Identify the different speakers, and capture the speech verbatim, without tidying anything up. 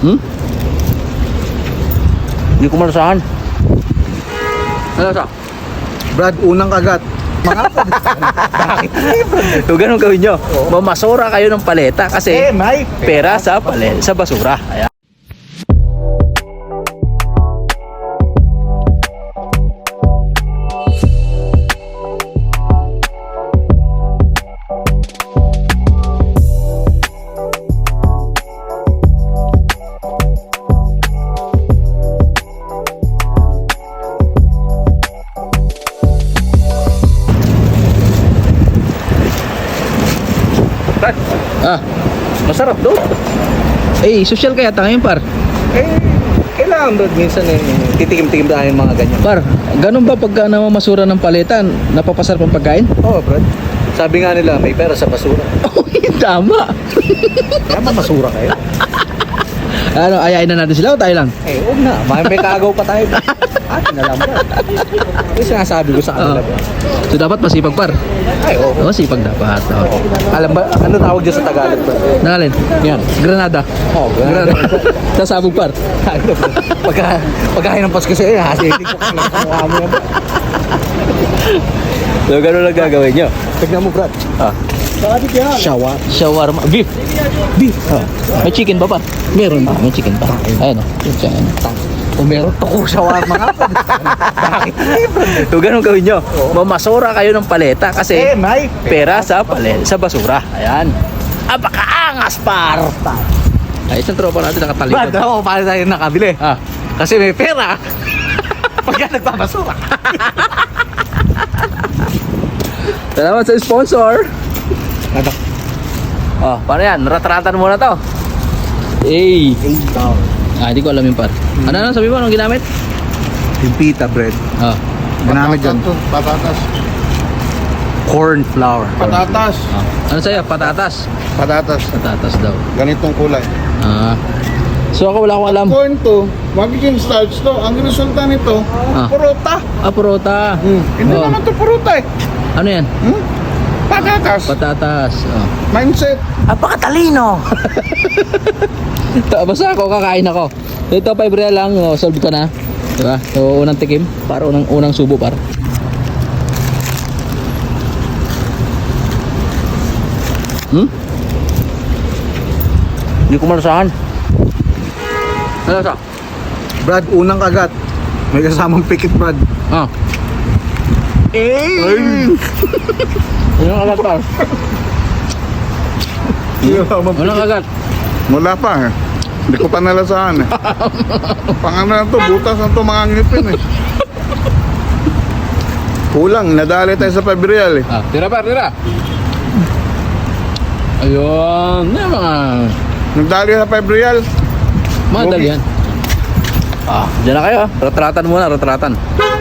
Speaker 1: Hmm? Hindi ko malasahan. Ano sa?
Speaker 2: Brad, unang kagat. Mga bakit?
Speaker 1: So ganun gawin nyo. Mamasura kayo ng paleta kasi
Speaker 2: Eh, may
Speaker 1: pera sa palet sa basura. Ayan. Ah, masarap doon. Eh, social kaya tayo ngayon, par.
Speaker 2: Eh, kailangan Brad minsan eh, titikim-tikim tayo ng mga ganyan.
Speaker 1: Par, ganun ba pagka namamasura ng palitan, napapasarap ang pagkain?
Speaker 2: Oo, Brad. Sabi nga nila, may pera sa basura.
Speaker 1: Oh, tama.
Speaker 2: Kaya mamasura kayo.
Speaker 1: Ano, ayain na natin sila o tayo lang?
Speaker 2: Eh, huwag na. May, may kaagaw pa tayo. Atin na lang, Brad. Yung sinasabi ko sa kanila,
Speaker 1: Oo.
Speaker 2: Brad.
Speaker 1: So dapat masipag, par.
Speaker 2: Ay, oo.
Speaker 1: Oo, sipag dapat. Oo.
Speaker 2: Alam ba, ano tawag dyan sa Tagalog, Brad?
Speaker 1: Nangalin?
Speaker 2: Yan.
Speaker 1: Granada.
Speaker 2: Oo,
Speaker 1: Granada. Sasabog, par.
Speaker 2: Ano, Brad? Pagka, pagkain ng Pasko sa'yo, hasilig ko ka lang sa mukha mo yan, Brad.
Speaker 1: So ganun lang gagawin nyo.
Speaker 2: Tignan mo, Brad.
Speaker 1: Ah.
Speaker 2: Shawa.
Speaker 1: Shawarma. Beef. Beef. Ah. May chicken ba, par? Meron. Ah, may chicken pa. Ayan o. Ayan.
Speaker 2: Kung meron toko shawarma nga, Brad. Bakit?
Speaker 1: So ganun gawin nyo. Mamasura kayo ng paleta kasi
Speaker 2: Eh, may
Speaker 1: pera sa palet sa basura. Ayan. Apakaangas, par. Ay, isang tropa natin
Speaker 2: Brad,
Speaker 1: nakatalikod.
Speaker 2: ako, paano tayo nakabili?
Speaker 1: Ah.
Speaker 2: Kasi may pera. Pagka nagpapasura.
Speaker 1: Salamat sa sponsor.
Speaker 2: Ano?
Speaker 1: Oh, paano yan? Ratratan muna to. Eh. Ah, hindi ko alam yung par. Ano na sabi mo? Anong ginamit?
Speaker 2: Yung pita bread.
Speaker 1: Ah.
Speaker 2: Ginamit dyan.
Speaker 3: Patatas.
Speaker 2: Corn flour.
Speaker 3: Patatas.
Speaker 1: ah. Ano sa'yo? Patatas.
Speaker 3: Patatas.
Speaker 1: Patatas daw.
Speaker 3: Ganitong kulay.
Speaker 1: Ah. So ako wala akong alam.
Speaker 3: Corn to, magiging starch to. Ang resulta nito,
Speaker 1: Ah.
Speaker 3: purota.
Speaker 1: Ah, purota.
Speaker 3: Hmm. Hindi
Speaker 1: Oh.
Speaker 3: naman to purota eh.
Speaker 1: Ano yan?
Speaker 3: Hmm? Patatas.
Speaker 1: Patatas. Oh.
Speaker 3: Mindset.
Speaker 1: Apakatalino. Basta ako, kakain ako. Ito, five real lang, oh, solve ka na. Diba? So, unang tikim, para unang, unang subo, par. Hmm? Hindi ko malasahan. Ano sa?
Speaker 2: Brad, unang kagat. May kasamang pikit, Brad.
Speaker 1: Ah.
Speaker 2: Eh!
Speaker 1: Unang kagat, par. Unang kagat.
Speaker 3: Wala pa eh. Hindi ko pa nalasahan eh. Pang ano na to, butas na to mga ngipin eh. Kulang, nadali tayo sa pabrial eh.
Speaker 1: Ah, tira, par, tira. Ayun. Yan mga...
Speaker 3: Nagdali sa pabrial.
Speaker 1: Madali yan. Ah, dyan na kayo. ah. Retratan muna, retratan.